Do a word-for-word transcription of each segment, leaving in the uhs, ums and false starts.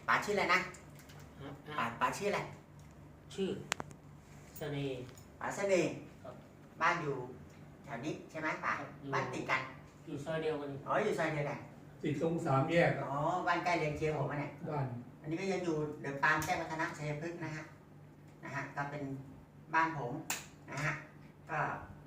ป๋าชื่ออะไรนะป๋าป๋าชื่ออะไรชื่อเสน่ห์ป๋าเสน่ห์บ้านอยู่แถวนี้ใช่ไหมป๋าบ้านติดกันอยู่ซอยเดียวกันอ๋ออยู่ซอยเดียวกันติดตรงสามแยกอ๋อบ้านใกล้เรียนเคียงผมเนี่ยบ้านอันนี้ก็ยังอยู่เดือดปานแจ้งวัฒนะชัยพฤกษ์นะฮะนะฮะก็เป็นบ้านผมนะฮะก็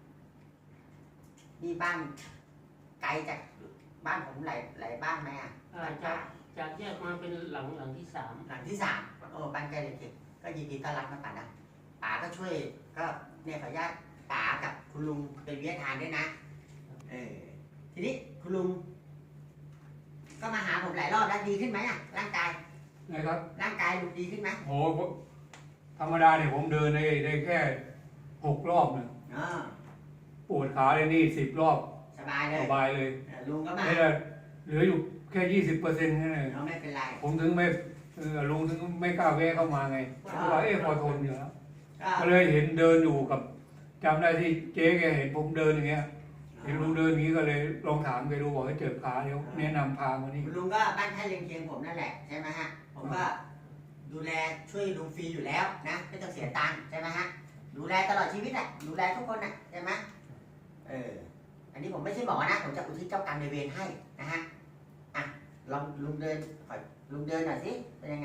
นี่บ้านไกลจากบ้านผมหลายหลายบ้านไหมอ่ะจากจากแยกมาเป็นหลังหลังที่สามหลังที่สามโอ้บ้านใกล้เรียนเคียงก็ยินดีต้อนรับนะป๋านะป๋าก็ช่วยก็เนี่ยขออนุญาตป๋ากับคุณลุงเป็นวิทยาทานด้วยนะเออทีนี้คุณลุงก็มาหาผมหลายรอบแล้วดีขึ้นไหมอ่ะร่างกายนะครับร่างกายลุงดีขึ้นไหมโอ้ธรรมดาเนี่ยผมเดินได้ได้แค่หกรอบเนี่ยปวดขาเลยนี่สิบรอบสบายเลยสบายเลยลุงก็มาเหลืออยู่แค่ยี่สิบเปอร์เซ็นต์แค่นั้นไม่เป็นไรผมถึงไม่ลุงถึงไม่กล้าแวะเข้ามาไงเพราะว่าเอ๊ะพอทนอยู่แล้วก็เลยเห็นเดินอยู่กับจำได้ที่เจ๊แกเห็นผมเดินอย่างเงี้ยเห็นลุงเดินอย่างนี้ก็เลยลองถามแกดูบอกให้เจ็บขาเดี๋ยวแนะนำพามานี่ลุงก็บ้านท่าเรียงเคียงผมนั่นแหละใช่ไหมฮะผมก็ดูแลช่วยลุงฟรีอยู่แล้วนะไม่ต้องเสียตังค์ใช่ไหมฮะดูแลตลอดชีวิตแหละดูแลทุกคนนะใช่ไหมเอออันนี้ผมไม่ใช่หมอนะผมจะอุทิศเจ้ากรรมในเวรให้นะฮะอ่ะลองลุงเดินขอลุงเดินหน่อยสิเป็นยังไง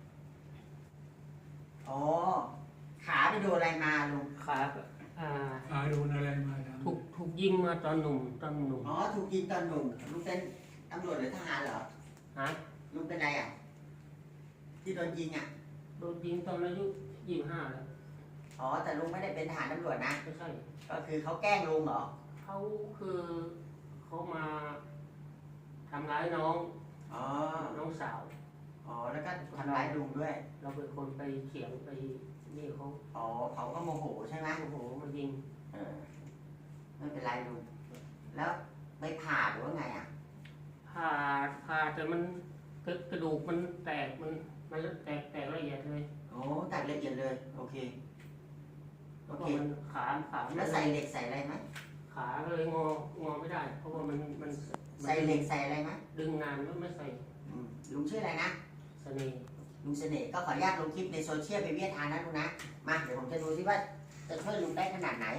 อ๋อขาไปโดนอะไรมาลุงขาอ่าขาโดนอะไรมาถูกถูกยิงมาตอนหนุ่มตอนหนุ่มอ๋อถูกยิงตอนหนุ่มลุงเป็นตำรวจหรือทหารเหรอฮะลุงเป็นอะไรอ่ะที่โดนยิงอ่ะโดนยิงตอนอายุยี่สิบห้าแล้วอ๋อแต่ลุงไม่ได้เป็นทหารตำรวจนะไม่ใช่ก็คือเขาแกล้งลุงเหรอเขาคือเขามาทำร้ายน้องอ๋อน้องสาวอ๋อแล้วก็ทำร้ายลุงด้วยเราเป็นคนไปเถียงไปนี่เขาอ๋อเขาก็โมโหใช่ไหมโมโหมายิงเออไม่เป็นไรลุงแล้วไปผ่าหรือว่าไงอ่ะผ่าผ่าแต่มันกระดูกมันแตกมันมันแตกแตกละเอียดเลยโอ้แตกละเอียดเลยโอเคโอเคขาขาแล้วใส่เหล็กใส่อะไรไหมขาเลยงองอไม่ได้เพราะว่ามันมันใส่เหล็กใส่อะไรไหมดึงนานไม่ไม่ใส่ลุงชื่ออะไรนะเสน่ห์ลุงเสน่ห์ก็ขออนุญาตลงคลิปในโซเชียลเป็นวิทยาทานนะลุงนะมาเดี๋ยวผมจะดูซิว่าจะช่วยลุงได้ขนาดไหน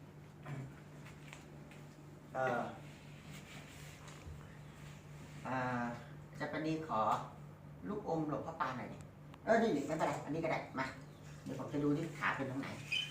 เอออ่าจะปนีขอลูกอมหลวงพ่อปานหน่อยดิเออนี่ไม่เป็นไรอันนี้ก็ได้มาเดี๋ยวผมจะดูที่ขาเป็นตรงไหน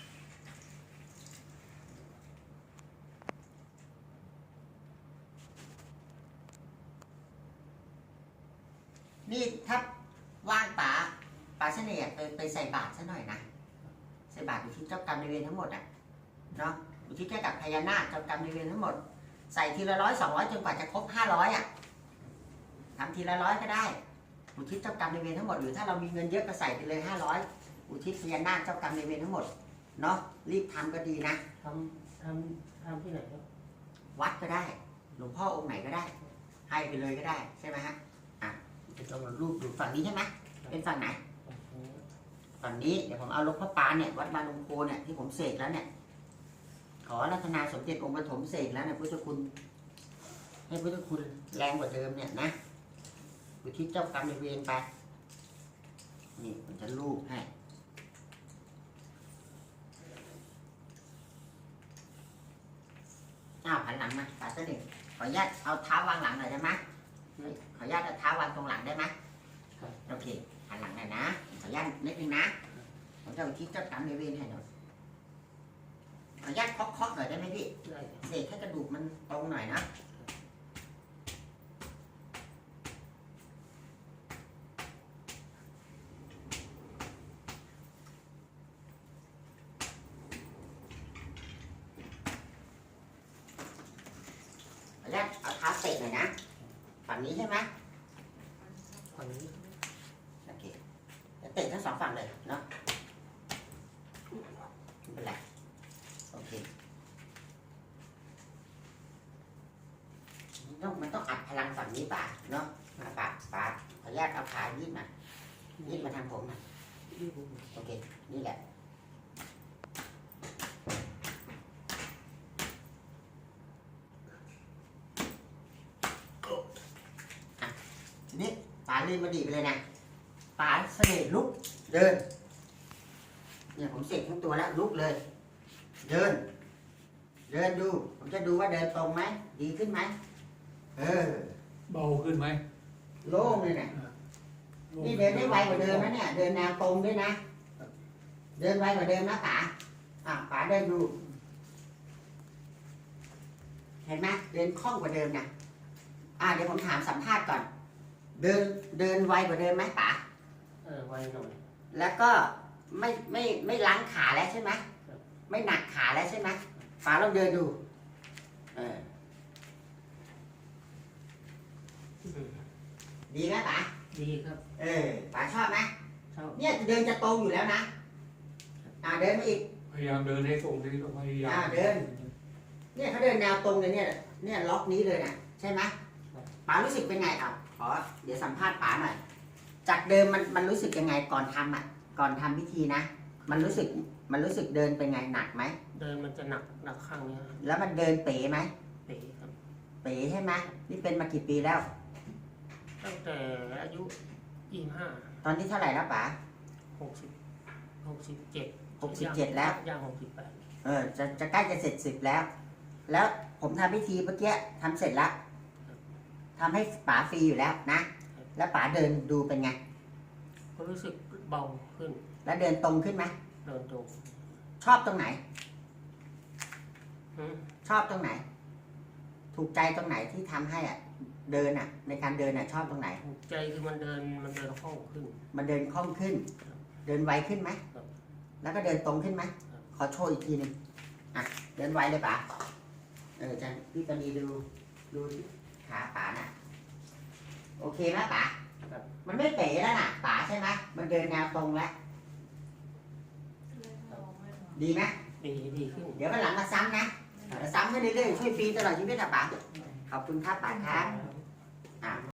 นี่ถ้าว่างป๋าป๋าเสน่ห์ไปไปใส่บาตรซะหน่อยนะใส่บาตรอยู่ที่เจ้ากรรมนายเวรทั้งหมดอ่ะเนาะอยู่ที่แค่กับพญานาคเจ้ากรรมนายเวรทั้งหมดใส่ทีละร้อยสองร้อยจนกว่าจะครบห้าร้อยอ่ะทำทีละร้อยก็ได้อุทิศเจ้ากรรมนายเวรทั้งหมดหรือถ้าเรามีเงินเยอะก็ใส่ไปเลยห้าร้อยอุทิศพญานาคเจ้ากรรมนายเวรทั้งหมดเนาะรีบทำก็ดีนะทำทำทำที่ไหนครับวัดก็ได้หลวงพ่อองค์ไหนก็ได้ให้ไปเลยก็ได้ใช่ไหมฮะจะเอารูปดูฝั่งนี้ใช่ไหมเป็นฝั่งไหนฝั่งนี้เดี๋ยวผมเอาหลวงพ่อปานเนี่ยวัดบางลงโพเนี่ยที่ผมเสกแล้วเนี่ยขอรัตนาสมเด็จองค์ปฐมเสกแล้วเนี่ยพุทธคุณให้พุทธคุณแรงกว่าเดิมเนี่ยนะอุทิศเจ้ากรรมนายเวรไปนี่ผมจะรูปให้อ้าวหันหลังมาป๋าเสด็จขออนุญาตเอาเท้าวางหลังหน่อยได้ไหมขออนุญาตเอาเท้าวางตรงหลังได้ไหมโอเคหันหลังหน่อยนะขออนุญาตนิดนึงนะผมจะอุทิศเจ้ากรรมนายเวรให้หน่อยขออนุญาตเคาะๆหน่อยได้ไหมพี่เสกให้กระดูกมันตรงหน่อยนะขออนุญาตเอาเท้าเตะหน่อยนะฝั่งนี้ใช่ไหมฝั่งนี้โอเคเตะทั้งสองฝั่งเลยเนาะไม่เป็นไรโอเคต้องมันต้องอัดพลังฝั่งนี้ป่ะเนาะมาป่ะป่ะขออนุญาตเอาขายืดมายืดมาทางผมนะโอเคนี่แหละทีนี้ป่าลืมมาดีไปเลยนะป๋าเสด็จลุกเดินเนี่ยผมเสกทั้งตัวแล้วลุกเลย เดิน เดินดู ผมจะดูว่าเดินตรงไหมดีขึ้นไหมเออเบาขึ้นไหมโล่งเลยเนี่ยนี่เดินได้ไวกว่าเดิมนะเนี่ยเดินแนวตรงด้วยนะเดินไวกว่าเดิมนะป๋าอ่ะป๋าเดินดู เห็นไหมเดินคล่องกว่าเดิมนะอ่ะเดี๋ยวผมถามสัมภาษณ์ก่อน เดินเดินไวกว่าเดิมไหมป๋าเออไวหน่อยแล้วก็ไม่ไม่ไม่ล้างขาแล้วใช่ไหมครับไม่หนักขาแล้วใช่ไหมป๋าลองเดินดูเอออืมดีไหมป๋าดีครับเออป๋าชอบไหมชอบเนี่ยเดินจะตรงอยู่แล้วนะอ่าเดินมาอีกพยายามเดินให้ตรงที่ต้องพยายามอ่าเดิน เนี่ยเขาเดินแนวตรงเลยเนี่ยเนี่ยล็อกนี้เลยนะใช่ไหมป๋ารู้สึกเป็นไงครับขอเดี๋ยวสัมภาษณ์ป๋าหน่อยจากเดิมมันมันรู้สึกยังไงก่อนทำอ่ะก่อนทำพิธีนะมันรู้สึกมันรู้สึกเดินเป็นไงหนักไหมเดินมันจะหนักหนักข้างเนี้ยครับแล้วมันเดินเป๋ไหมเป๋ครับเป๋ใช่ไหมนี่เป็นมากี่ปีแล้วตั้งแต่อายุยี่ห้าตอนนี้เท่าไหร่แล้วป๋าหกสิบหกสิบเจ็ดหกสิบเจ็ดแล้วย่างหกสิบแปดเออจะจะใกล้จะเสร็จสิบแล้ว แล้วผมทำพิธีเมื่อกี้ทำเสร็จแล้วทำให้ป๋าฟรีอยู่แล้วนะ แล้วป๋าเดินดูเป็นไงก็รู้สึกเบาขึ้นแล้วเดินตรงขึ้นไหมเดินตรงชอบตรงไหนอืมชอบตรงไหน ถูกใจตรงไหนที่ทำให้อ่ะ เดินอ่ะ ในการเดินอ่ะชอบตรงไหนถูกใจคือมันเดินมันเดินคล่องขึ้นมันเดินคล่องขึ้น เดินไวขึ้นไหมครับแล้วก็เดินตรงขึ้นไหมครับขอโชว์อีกทีหนึ่งอ่ะ เดินไวเลยป๋าเออจันพี่ปณีดู ดูที่ขาป๋าน่ะ โอเคไหมป๋าครับมันไม่เป๋แล้วน่ะป๋าใช่ไหมมันเดินแนวตรงแล้ว ดีไหมดีดีขึ้นเดี๋ยววันหลังมาซ้ำนะมาซ้ำให้เรื่อยๆช่วยฟรีตลอดชีวิตอ่ะป๋าขอบคุณครับป๋าครับอ่ะ